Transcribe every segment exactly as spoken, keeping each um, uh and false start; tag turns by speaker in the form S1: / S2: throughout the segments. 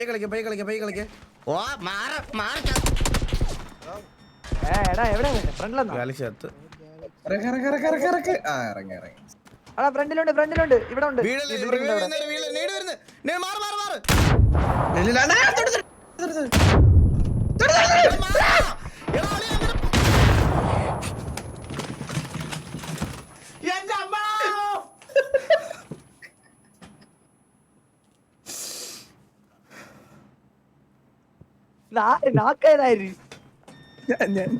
S1: കളിക്ക പൈ കളിക്ക പൈ കളിക്ക ഓ മാറ മാറ
S2: ഏ എടാ എവിടെ ഫ്രണ്ടിലെന്നാ
S1: ഗാലക്സി അത്ത്
S3: ഇറങ്ങ് ഇറങ്ങ് ഇറങ്ങ് ഇറങ്ങ് ഇറങ്ങ്. ആ ഇറങ്ങി ഇറങ്ങി
S2: എടാ ഫ്രണ്ടിലുണ്ട് ഫ്രണ്ടിലുണ്ട് ഇവിടെ ഉണ്ട്
S1: വീഴല്ലേ
S2: ഈ building ന്റെ അവിടെ.
S1: വീഴല്ലേ വീഴല്ലേ നേടി വരുന്നു നേ മാറ് മാറ് മാറ്
S3: ഇല്ലില്ല, അണ്ണാ, തൊട്, തൊട്, തൊട്, തൊട്. തൊട്, തൊട്, തൊട്.
S1: എടാ മാറാ എടാ അളി അങ്ങനെ എന്റെ അമ്മ
S2: നാ- നാക്കേതായിര്
S3: ഞാൻ- ഞാൻ-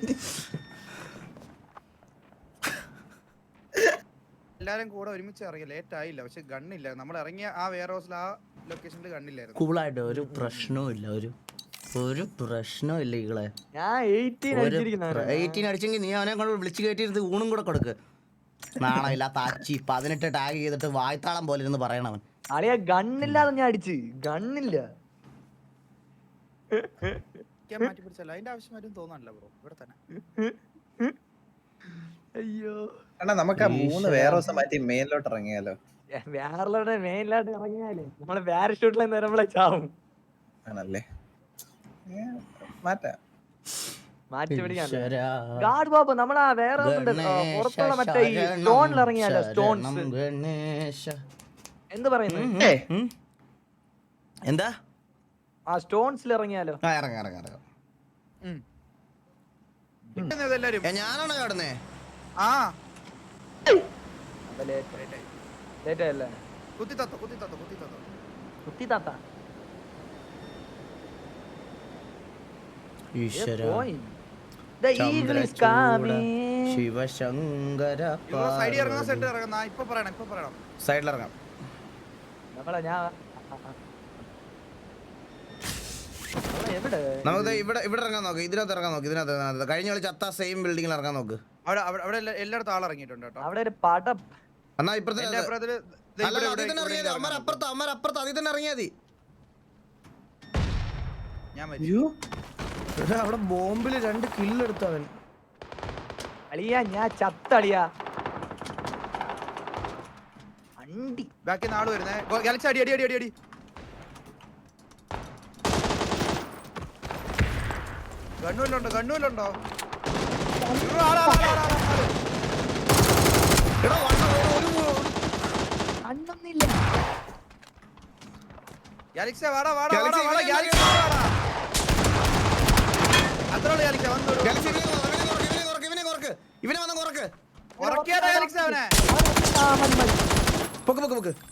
S4: എല്ലാരും കൂടെ ഒരുമിച്ച് ഇറങ്ങി ലേറ്റ് ആയില്ല പക്ഷെ ഗണ്ണില്ല നമ്മൾ ഇറങ്ങിയ ആ വെയർ ഹൗസിൽ ആ ലൊക്കേഷനിൽ ഗണ്ണില്ലായിരുന്നു.
S1: കൂളായിട്ട് ഒരു പ്രശ്നവും ഇല്ല ഒരു ഒരു പ്രശ്നവും ഇല്ല ഈകളെ
S2: ഞാൻ എയ്റ്റീൻ അടിച്ചിരിക്കുന്ന
S1: എയ്റ്റീൻ അടിച്ചെങ്കിൽ നീ അവനെ കൊണ്ട് വിളിച്ചു കയറ്റിയിരുന്ന് ഊണും കൂടെ കൊടുക്ക് നാളെ ഇല്ലാത്ത അച്ചി പതിനെട്ട് ടാഗ് ചെയ്തിട്ട് വായ്ത്താളം പോലെ ഇരുന്ന് പറയണവൻ
S2: അളിയ ഗണ്ണില്ലാതെ ഞാൻ അടിച്ച് ഗണ്ണില്ല
S4: ഞാൻ മാറ്റി പിടിച്ചല്ലോ അതിന്റെ ആവശ്യം വരും തോന്നാനല്ല ബ്രോ ഇവിടെ തന്നെ.
S2: അയ്യോ
S3: അണ്ണാ, നമുക്ക് ആ മൂന്ന് വേറെ ദിവസം മാറ്റി മെയിനിലോട്ട് ഇറങ്ങിയാലോ?
S2: വേറെ മെയിനിലായിട്ട് ഇറങ്ങിയാലേ നമ്മള് പാരഷൂട്ടിലെ നിരമ്പളെ ചാവും
S3: ആണല്ലേ, ഏ, മാറ്റാം.
S2: മാറ്റി പിടിക്കാൻ
S1: ഈശ്വരാ.
S2: ഗാഡ് ബാബു നമ്മളാ വേറെ പുറത്തുള്ള മറ്റേ ഈ സ്റ്റോണിൽ ഇറങ്ങിയാലോ സ്റ്റോൺസ്
S1: ഗണേശ
S2: എന്ത് പറയുന്നു
S3: ഏ,
S1: ഉം? എന്താ
S2: ആ സ്റ്റോൺസിൽ ഇറങ്ങിയാലോ
S1: ആ ഇറങ്ങ ഇറങ്ങ ഇറങ്ങ
S4: ഉം. ഇരിക്കുന്നത് എല്ലാരും
S1: ഞാനാണോ കടന്നേ
S4: ആ
S2: ലേറ്റ് ആയല്ലേ
S4: കുത്തി തത്തോ കുത്തി തത്തോ കുത്തി തത്തോ
S2: കുത്തി താത്ത
S1: ഈശ്വര
S2: പോയി The eagle is coming.
S1: Sivasankara
S4: സൈഡിൽ ഇറങ്ങുന്ന സെന്റർ ഇറങ്ങുന്ന ഇപ്പൊ പറയണം ഇപ്പൊ പറയണം.
S1: സൈഡിൽ ഇറങ്ങാം
S2: നമ്മളെ ഞാൻ നമ്മളെ എവിടെ
S1: നമുക്ക് ഇവിടെ ഇവിടെ ഇറങ്ങാൻ നോക്ക് ഇതിനകത്ത് ഇറങ്ങാൻ നോക്ക് ഇതിനകത്ത് ഇതിനകത്ത്. കഴിഞ്ഞ കളി ചത്ത സെയിം ബിൽഡിങ്ങിൽ ഇറങ്ങാൻ നോക്ക്
S4: അവിടെ അവിടെ അവിടെ എല്ലാ- എല്ലായിടത്തും ആൾ ഇറങ്ങിയിട്ടുണ്ട് കേട്ടോ.
S2: അവിടെ ഒരു പടം
S1: എന്നാ ഇപ്പുറത്തെ
S4: എന്റെ അപ്പുറത്തില് ദേ
S1: അല്ല
S4: ഇവിടെ
S1: അതിൽ
S4: ഇവിടെ
S1: തന്നെ
S4: ഇവിടെ
S1: ഇറങ്ങിയാതി അമ്മ അപ്പുറത്ത് അമ്മ അപ്പുറത്ത് അതിൽ തന്നെ ഇറങ്ങിയാതി
S4: ഞാൻ മരിച്ചു.
S3: അയ്യോ,
S1: അവിടെ ബോംബില് രണ്ട് കില്ലെടുത്തവൻ
S2: അളിയാ ഞാൻ ചത്തളിയാ അണ്ടി
S4: ബാക്കി നാള് വരുന്നേ ഗാലക്സി അടി അടി അടി അടി അടി ഗണ്ണൂലുണ്ടോ ഗണ്ണൂലുണ്ടോ
S1: എടാ, വണ്ട, ഒരു- ഒരു-
S2: അണ്ണൊന്നില്ല
S4: ഗാലക്സി വാടാ വാടാ വാടാ
S1: ഗാലക്സി
S4: വാടാ
S1: ഇവനെ
S4: ഗാലക്സി വാടാ അത്രയുള്ളൂ ഗാലക്സി വന്നോളൂ.
S1: ഗാലക്സി ഇവനെ കുറക്ക്, ഇവനെ കുറക്ക്, ഇവനെ കുറക്ക്, ഇവനെ വന്ന് കുറക്ക്
S4: ഉറക്കിയാടാ ഗാലക്സി അവനെ.
S2: ആ, മതി, മതി.
S1: പൊക്ക് പൊക്ക് പൊക്ക്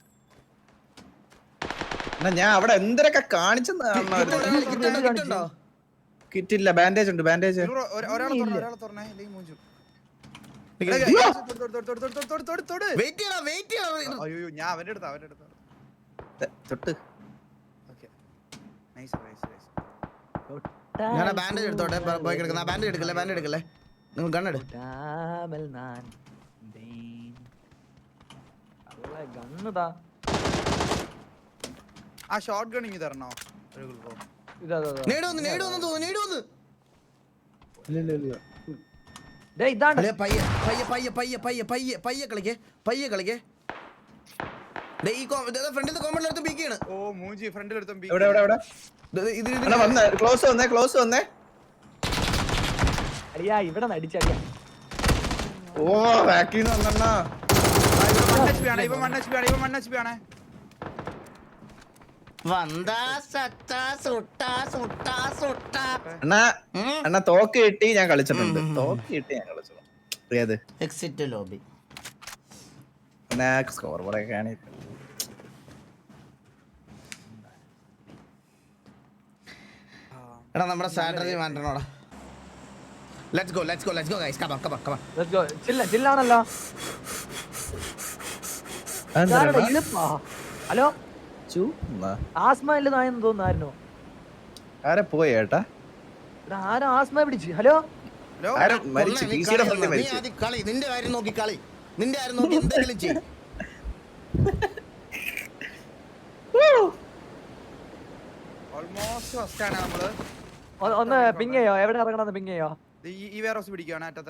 S3: അണ്ണാ, ഞാൻ അവിടെ എന്തൊക്കെ കാണിച്ചെന്ന്
S1: കിട്ടുണ്ടോ? കിട്ടുണ്ടോ? കിട്ടുണ്ടോ?
S3: കിറ്റില്ല. ബാൻഡേജ് ഉണ്ട്, ബാൻഡേജ്.
S4: ഇവര് ഒ- ഒരാളെ തുറന്നേ ഒരാളെ തുറന്നേ ഇല്ലെങ്കിൽ മൂഞ്ചു.
S1: അയ്യോ.
S4: എടാ, ഗാലക്സി തൊട് തൊട് തൊട് തൊട് തൊട് തൊട് തൊട് തൊട്.
S1: വെയിറ്റ് ചെയ്യണം വെയിറ്റ് ചെയ്യണം
S4: അയ്യോ ഞാൻ അവന്റെ അടുത്ത് അവന്റെ അടുത്ത്
S3: തൊട്ട്
S4: ഓക്കെ നൈസ് നൈസ് നൈസ്.
S1: ഞാൻ ബാൻഡേജ് എടുത്തോട്ടെ പ- പോയി കിടക്കുന്ന ബാൻഡേജ് എടുക്കല്ലേ ബാൻഡേജ് എടുക്കല്ലേ നിങ്ങൾ ഗണ്ണെടു
S2: ഡാബൽ നാൻ ദീൻ. അള്ളാ, ഗണ്ണുതാ.
S4: ആ ഷോട്ട് ഗൺ ഇങ്ങ് തരണോ ഒരു ബ്രോ.
S2: ഇതാ, ഇതാ, ഇതാ.
S1: നേടുവന്ന് നേടുവന്ന് തോന്നുന്നു നേടുവന്ന്
S2: ദേ, ഇതാണ്
S1: അല്ലേ പയ്യെ പയ്യെ പയ്യെ പയ്യെ പയ്യെ പയ്യെ പയ്യെ കളിക്കേ പയ്യെ കളിക്കേ ദേ ഈ ഫ്രണ്ടിൽ കോമ്പൗണ്ടിൽ എടുത്ത് പീക്കാണ്
S4: ഓ മൂഞ്ചി ഫ്രണ്ടിൽ എടുത്തും
S3: എവിടെ എവിടെ എവിടെ
S1: ഇത് ഇത്
S3: അണ്ണാ, വന്നേ, ക്ലോസ് വന്നേ, ക്ലോസ് വന്നേ.
S2: അളിയാ ഇവിടെ നടിച്ചടിയാ
S3: ഓ, ബാക്കിന്ന് വന്നണ്ണാ.
S4: വൺ എച്ച് പി ആണ് ഇവൻ വൺ എച്ച് പി ആണ് ഇവൻ വൺ എച്ച് പി ആണ്.
S1: വന്താ സത്താ സുട്ടാ സുട്ടാ സുട്ടാ
S3: അണ്ണാ,
S1: ഉം.
S3: അണ്ണാ, തോക്ക് കിട്ടി ഞാൻ കളിച്ചിട്ടുണ്ട്. തോക്ക് കിട്ടി ഞാൻ കളിച്ചിട്ടുണ്ട്. ഏത്
S1: എക്സിറ്റ് ലോബി
S3: സ്കോർ കുറെ കാണി.
S1: എടാ നമ്മുടെ സ്ട്രാറ്റജി മാറ്റണോടാ let's go let's go let's go guys come on come on come on
S2: Let's go. ചില്ല ചില്ലാണല്ലോ ഇതാരുടെ ഇളിപ്പാ? Hello asthma ഇല്ലെന്നായെന്ന് തോന്നുന്നായിരുന്നു.
S3: ആരെ പോയി ഏട്ടാ?
S2: ഇവിടെ ആരും ആസ്മ പിടിച്ച്. ഹലോ
S4: ഹലോ
S3: ആരും മരിച്ചു,
S1: നീ
S3: പി സിയുടെ
S1: കളി
S3: ഫ്രണ്ടിൽ
S1: നീ
S3: മരിച്ചു.
S1: ആദ്യം കളി നിന്റെ കാര്യം നോക്കി കളി നിന്റെ കാര്യം നോക്കി എന്തെങ്കിലും ചെയ്യ്
S4: ഓൾമോസ്റ്റ് ഫസ്റ്റ് ആണ് നമ്മള്.
S2: ഒ- ഒന്ന് പിങ് ചെയ്യോ എവിടെ ഇറങ്ങണമെന്ന് പിങ് ചെയ്യോ
S4: ദേ ഈ ഈ വെയർ ഹൗസ് പിടിക്കുകയാണ് അറ്റത്തെ.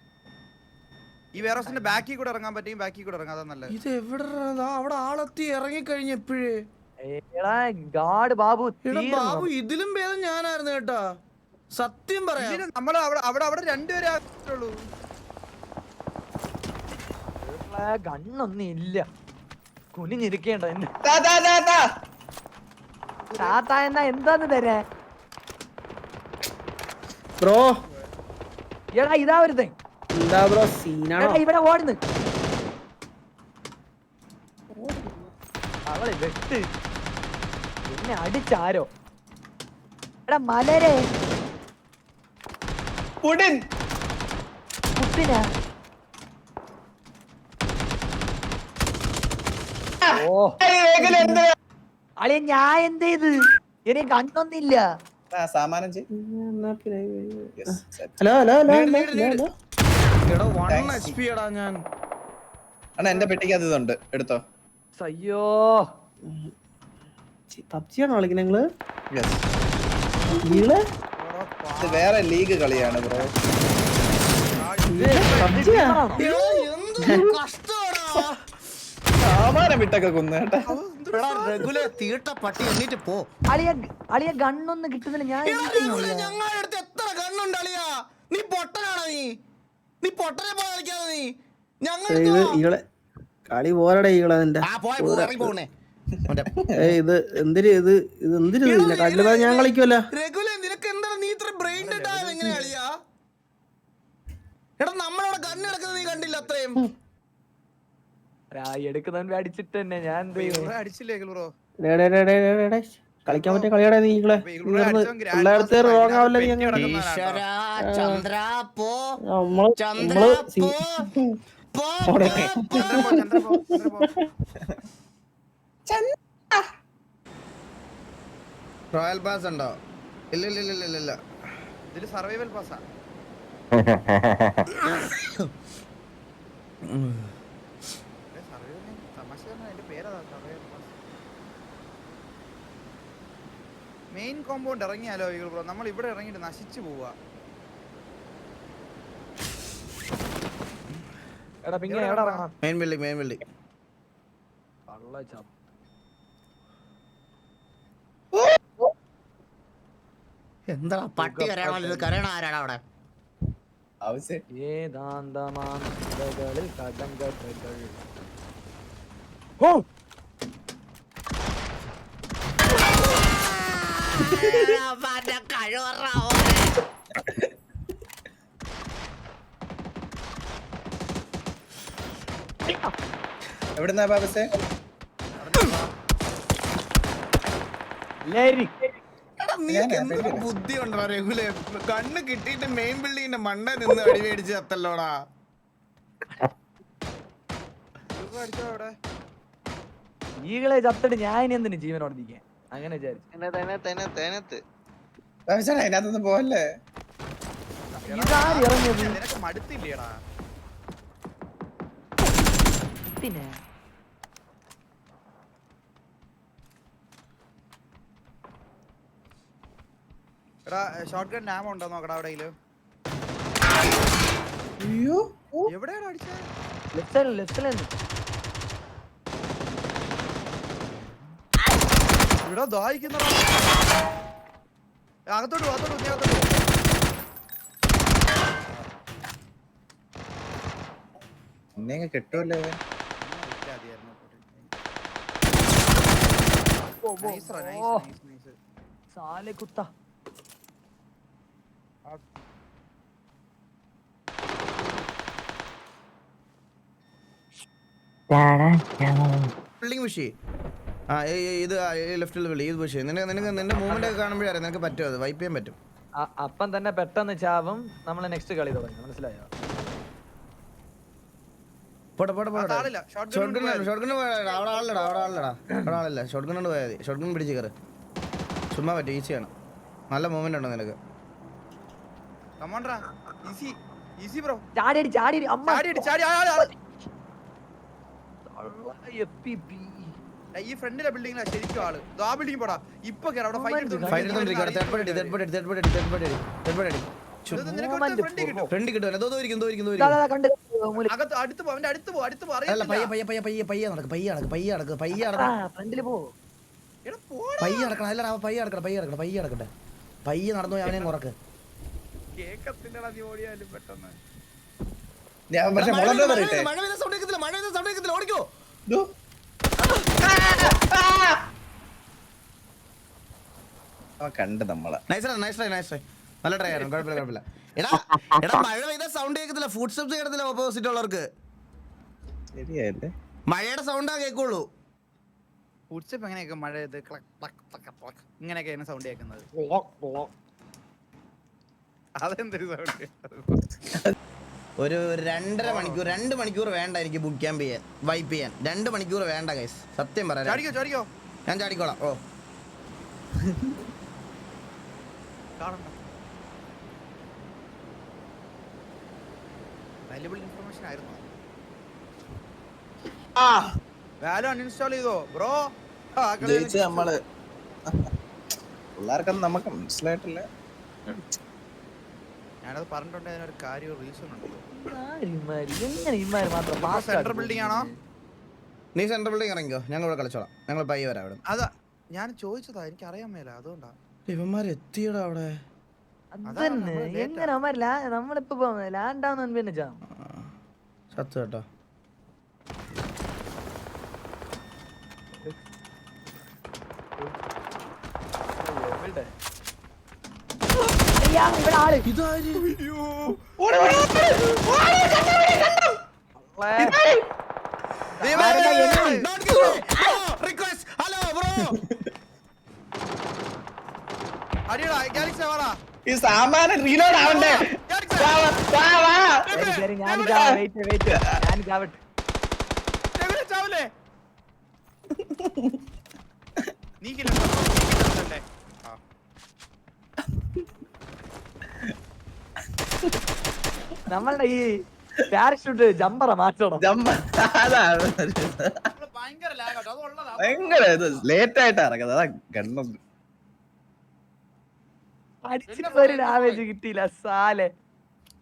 S4: ഈ വെയർ ഹൗസിന്റെ ബാക്കിൽ കൂടെ ഇറങ്ങാൻ പറ്റും ബാക്കിൽ കൂടെ ഇറങ്ങാം അതാ നല്ലത്.
S1: ഇത് എവിടെ അവിടെ ആളെത്തി ഇറങ്ങി കഴിഞ്ഞ എപ്പോഴേ
S2: എടാ ഗാഡ് ബാബു
S1: എടാ
S2: തീർന്നു.
S1: ബാബു ഇതിലും ഭേദം ഞാനായിരുന്നു കേട്ടാ, സത്യം പറയാം.
S4: ഇതിന് നമ്മള് അവിടെ അവിടെ അവിടെ രണ്ടുപേരെ ആവശ്യമുള്ളൂ.
S2: ഗണ്ണൊന്നും ഇല്ല, കുനിഞ്ഞിരിക്കേണ്ട എന്നെ.
S3: താ, താ, താ, താ.
S2: താത്ത എന്നാ എന്താന്ന് തരാ?
S3: ബ്രോ
S2: എടാ ഇതാ വരുന്നേ.
S3: എന്താ ബ്രോ സീനാണോ?
S2: എടാ ഇവിടെ ഓടുന്നു. അവളെ വെട്ട് എന്നെ അടിച്ചാരോ. എടാ മലരെ
S3: പുടിൻ
S2: കുത്തിനാ. ഓ അളിയ ഞാൻ എന്ത് ചെയ്ത്? എനിക്ക് കണ്ണൊന്നില്ല.
S3: സാമാനം ഹലോ ഹലോ ഹലോ ഹലോ.
S1: എടാ വൺ എച്ച് പി എടാ ഞാൻ.
S3: അണ്ണാ എന്റെ പെട്ടിക്ക് അത് ഇതുണ്ട്, എടുത്തോ.
S2: അയ്യോ
S3: പബ്ജിയാണോ കളിക്കുന്നത് നിങ്ങള്? നിങ്ങള് ഇത് വേറെ ലീഗ് കളിയാണ് ബ്രോ. പബ്ജിയാ
S1: എടാ, എന്ത് കഷ്ടമാടാ.
S3: സാമാനം വിട്ടൊക്കെ കൊന്നു കേട്ടാ.
S1: എടാ റെഗുലർ തീട്ട പട്ടി എണ്ണീറ്റ് പോ.
S2: അളിയ അളിയ ഗണ്ണൊന്നും കിട്ടുന്നില്ല. ഞാൻ
S1: എടാ,
S2: എന്ത് ചെയ്യും
S1: റെഗുലർ
S2: അളിയാ?
S1: ഞങ്ങളുടെ അടുത്ത് എത്ര കണ്ണുണ്ട് അളിയാ? നീ പൊട്ടനാണോ നീ? നീ പൊട്ടനെ പോലെ കളിക്കാതെ നീ ഞങ്ങളുടെ
S5: ഇത് ഈകളെ കളി പോരടെ ഈകളെ നിന്റെ
S1: ആ പോയ പോയി പോണേ.
S5: ഏയ് ഇത് എന്തിര് ഇത് ഇത് എന്തിര് ഇതിന്റെ കല്ലുതാ ഞാൻ കളിക്കുമല്ല.
S1: റെഗുലർ നിനക്ക് എന്താണ് നീ ഇത്ര ബ്രെയിൻ ഡെഡ് ആയത് എങ്ങനെ അളിയാ? എടാ നമ്മളവിടെ ഗണ്ണ് എടുക്കുന്നത് നീ കണ്ടില്ല അത്രയും.
S2: എടുക്കുന്നവൻ അടിച്ചിട്ട് തന്നെ ഞാൻ എന്ത് ചെയ്യും?
S4: ഇവിടെ അടിച്ചില്ലേ ബ്രോ?
S5: ഡേ ഡേ ഡേ ഡേ ഡേ ഡേ കളിക്കാൻ പറ്റിയ കളിയാടാ നീ ഈകളെ. എല്ലായിടത്ത് റോങ് ആവല്ല നീ അങ്ങനെ.
S1: ഈശ്വരാ, ചന്ദ്ര പോ,
S5: നമ്മള്
S1: ചന്ദ്ര
S5: നമ്മള്
S1: പോ, പോ, പോ, പോ.
S4: ചന്ദ്ര പോ, ചന്ദ്ര പോ, ചന്ദ്ര പോ.
S1: റോയൽ പാസ് ഉണ്ടോ? ഇല്ല ഇല്ല ഇല്ല ഇല്ല ഇല്ല.
S4: ഇതില് സർവൈവൽ പാസ്സാ. മെയിൻ കോമ്പൗണ്ട് ഇറങ്ങിയാലോ ബ്രോ? നമ്മൾ ഇവിടെ ഇറങ്ങിട്ട് നശിച്ചു പോവാ.
S2: എടാ പിന്നെ എവിടെ ഇറങ്ങണം?
S1: Main building main building. എന്താ പട്ടി കരയണോ? ഇത് കരയണ ആരാണ് അവിടെ?
S3: ആവശ്യം
S2: ഏതാന്തമാന്തകളിൽ കടങ്കഥകൾ.
S3: എവിടുന്നാ ബാബസേ?
S2: ലേരി
S1: ബുദ്ധി ഉണ്ടോ റെഗുലർ? കണ്ണ് കിട്ടിയിട്ട് മെയിൻ ബിൽഡിങ്ങിന്റെ മണ്ട നിന്ന് അടി മേടിച്ച് തത്തല്ലോടാ.
S4: അടിച്ചോ അവിടെ.
S2: ഈകളെ ചത്തിട്ട് ഞാൻ ഇനി എന്തിനു ജീവനോട് നിൽക്കാൻ അങ്ങനെ വിചാരിച്ചു.
S3: ബാബുസേ അതിനകത്തൊന്നും പോവല്ലേ.
S2: ഇതാര് ഇറങ്ങിയത്?
S4: നിനക്ക് മടുത്തില്ലേടാ?
S2: പിന്നെ
S4: എടാ ഷോട്ട് ഗൺ നാമ ഉണ്ടോ നോക്കടാ എവിടെയെങ്കിലും.
S3: അയ്യോ
S4: എവിടെയാണ് അടിച്ചത്?
S2: ലെഫ്റ്റ് സൈഡിൽ ലെഫ്റ്റ് സൈഡിൽ
S4: ഇവിടെ ദാഹിക്കുന്ന അകത്തോട്ട് പോ, അകത്തോട്ട് പോ, നീ അകത്തോട്ട് പോ.
S3: എന്നെ കിട്ടുമല്ലേ?
S2: സാലെ കുത്ത.
S1: ബിൽഡിംഗ് പുഷ് ആ ഇത് ലെഫ്റ്റിൽ വിളി ഇത് പുഷ്. നിനക്ക് നിനക്ക് നിന്റെ മൂവ്മെന്റ് ഒക്കെ കാണുമ്പോഴേ അറിയാം നിനക്ക് പറ്റും, അത് വൈപ്പ് ചെയ്യാൻ പറ്റും.
S2: അപ്പം തന്നെ പെട്ടെന്ന് ചാവും. നമ്മള് നെക്സ്റ്റ് കളി തുടങ്ങി. മനസ്സിലായോ?
S1: പോട്ടെ പോട്ടെ പോട്ടെ.
S4: ആളില്ല. Shot
S1: shot
S4: gun
S1: gun shot gun അവിടെ ആളില്ലടാ അവിടെ ആളില്ലടാ അവിടെ ആളില്ല. ഷോട്ട് ഗൺ കൊണ്ട് പോയാൽ മതി. ഷോട്ട് ഗൺ പിടിച്ച് കയറ്. ചുമ്മാ പറ്റും, ഈസിയാണ്. നല്ല മൂവ്മെന്റ് ഉണ്ടോ നിനക്ക്?
S4: കമോൺട്രാ ഈസി ഈസി ബ്രോ.
S2: ചാടി അടി ചാടി അടി. അമ്മ
S4: ചാടി അടി ചാടി. ആ, ആ, ആ. ഈ ഫ്രണ്ടിലെ ബിൽഡിംഗിലാ ശരിക്കും ആള്. ആ ബിൽഡിംഗ് പോടാ. ഇപ്പൊ കേറാ അവിടെ ഫൈറ്റ് എടുത്തോണ്ട്.
S1: ഫൈറ്റ് എടുത്തോണ്ടിരിക്കുക. Third party third party third party third party third party front കിട്ടും. എന്തോ ഇരിക്കും ഇരിക്കും
S2: കണ്ട്
S4: അകത്ത് അടുത്ത് പോ, അവന്റെ അടുത്ത് പോ, അടുത്ത് പോ.
S1: അല്ല
S4: അറിയില്ല.
S1: പയ്യെ പയ്യെ പയ്യെ പയ്യെ പയ്യെ നടക്ക് പയ്യെ നടക്ക് പയ്യെ നടക്ക് പയ്യെ നടക്ക്.
S2: ഫ്രണ്ടില് പോ.
S4: എടാ പോടാ.
S1: പയ്യെ നടക്കണം അല്ലടാ പയ്യെ നടക്കണം പയ്യെ നടക്കണം പയ്യെ നടക്കട്ടെ പയ്യെ നടന്നു പോയി അവനെയും കുറക്ക്
S4: കേക്കത്തില്ലടാ നീ ഓടിയാലും പെട്ടെന്ന്.
S3: ഞാൻ പക്ഷെ
S1: മഴ
S3: മുളക്
S1: പെയ്യുന്ന
S3: പറയട്ടെ
S1: മഴ പെയ്യുന്ന sound കേൾക്കത്തില്ല, മഴ പെയ്യുന്ന sound കേൾക്കത്തില്ല, ഓടിക്കോ.
S3: ദോ. അവൻ കണ്ട് നമ്മളെ
S1: Nice try, nice try, nice try. നല്ല ട്രൈ ആയിരുന്നു, കുഴപ്പമില്ല കുഴപ്പമില്ല. എടാ എടാ മഴ പെയ്ത സൗണ്ട് കേൾക്കത്തില്ല, ഫുഡ് സ്റ്റെപ്സ് കേൾക്കത്തില്ല ഓപ്പോസിറ്റ് ഉള്ളവർക്ക്.
S3: ശരിയല്ലേ
S1: മഴയുടെ സൗണ്ടാ കേൾക്കുള്ളൂ.
S4: ഉച്ചപ്പ് എങ്ങനെയൊക്കെ മഴ ഇത് ക്ലക്ക് ക്ലക്ക് ക്ലക്ക് ക്ലക്ക് ഇങ്ങനെയൊക്കെയാണ് സൗണ്ട് കേൾക്കുന്നത്. അതെന്തൊരു സൗണ്ട്?
S1: ഒരു രണ്ടര മണിക്കൂർ രണ്ട് മണിക്കൂർ വേണ്ട എനിക്ക് ബുക്ക് ക്യാമ്പ് ചെയ്യാൻ വൈപ്പ് ചെയ്യാൻ രണ്ട് മണിക്കൂർ വേണ്ട ഗൈസ് സത്യം പറയാം.
S4: ചാടിക്കോ ചാടിക്കോ.
S1: ഞാൻ ചാടിക്കോളാം. ഓ
S4: കാണണ്ട. വാല്യുബിൾ ഇൻഫർമേഷൻ ആയിരുന്നു. വാല്യൂ അൺഇൻസ്റ്റാൾ ചെയ്തോ ബ്രോ?
S3: ജയിച്ച നമ്മള് പിള്ളേർക്കൊന്നും നമുക്ക് മനസ്സിലായിട്ടില്ല.
S4: ഞാനത് പറഞ്ഞിട്ടുണ്ട്, അതിനൊരു കാര്യം റീസൺ ഉണ്ടല്ലോ.
S2: ഇമാര് എങ്ങനെ ഇമാര് മാത്രം pass
S4: സെൻട്രൽ
S2: ആക്കി
S4: ബിൽഡിംഗ് ആണോ?
S1: നീ സെൻട്രൽ ബിൽഡിംഗ് ഇറങ്ങിക്കോ, ഞങ്ങൾ ഇവിടെ കളിച്ചോളാം. ഞങ്ങൾ പയ്യെ വരാം അവിടെ.
S4: അതാ ഞാൻ ചോദിച്ചതാ, എനിക്ക് അറിയാൻ മേല അതുകൊണ്ടാ.
S1: ഇവന്മാർ എത്തിയടാ അവിടെ.
S2: അതന്നെ എങ്ങനെ അവന്മാര് ലാ- നമ്മളിപ്പോ ലാൻഡ് ആവുന്ന പിന്നെ ജാം
S1: സത്യം കേട്ടോ.
S2: ഇവിടെ ആള്
S1: Don't kill me. Bro, request. Hello, bro.
S4: അടിയടാ ഗാലക്സി വാടാ.
S3: ഈ സാമാനം റീലോഡ് ആവണ്ടേ? വാ, വാ, വാ, വാ.
S2: ശരി ശരി ഞാൻ വെയിറ്റ് വെയിറ്റ് ഞാൻ ചാവട്ടെ.
S4: എവിടെ ചാവലേ? നീ കില്ല നീ ആ
S2: നമ്മളുടെ ഈ പാരഷൂട്ട് ജമ്പറ മാറ്റണം.
S3: ജമ്പ അതാണ്
S4: ഭയങ്കര ലാഗ് ആട്ടോ, അത് ഉള്ളതാ.
S3: ഭയങ്കര ഇത് ലേറ്റ് ആയിട്ടാ ഇറങ്ങുന്നത്. അതാ ഗണ്ണൊന്നും
S2: അടിച്ചിട്ട് ഒരു ഡാമേജ് കിട്ടിയില്ല സാലെ.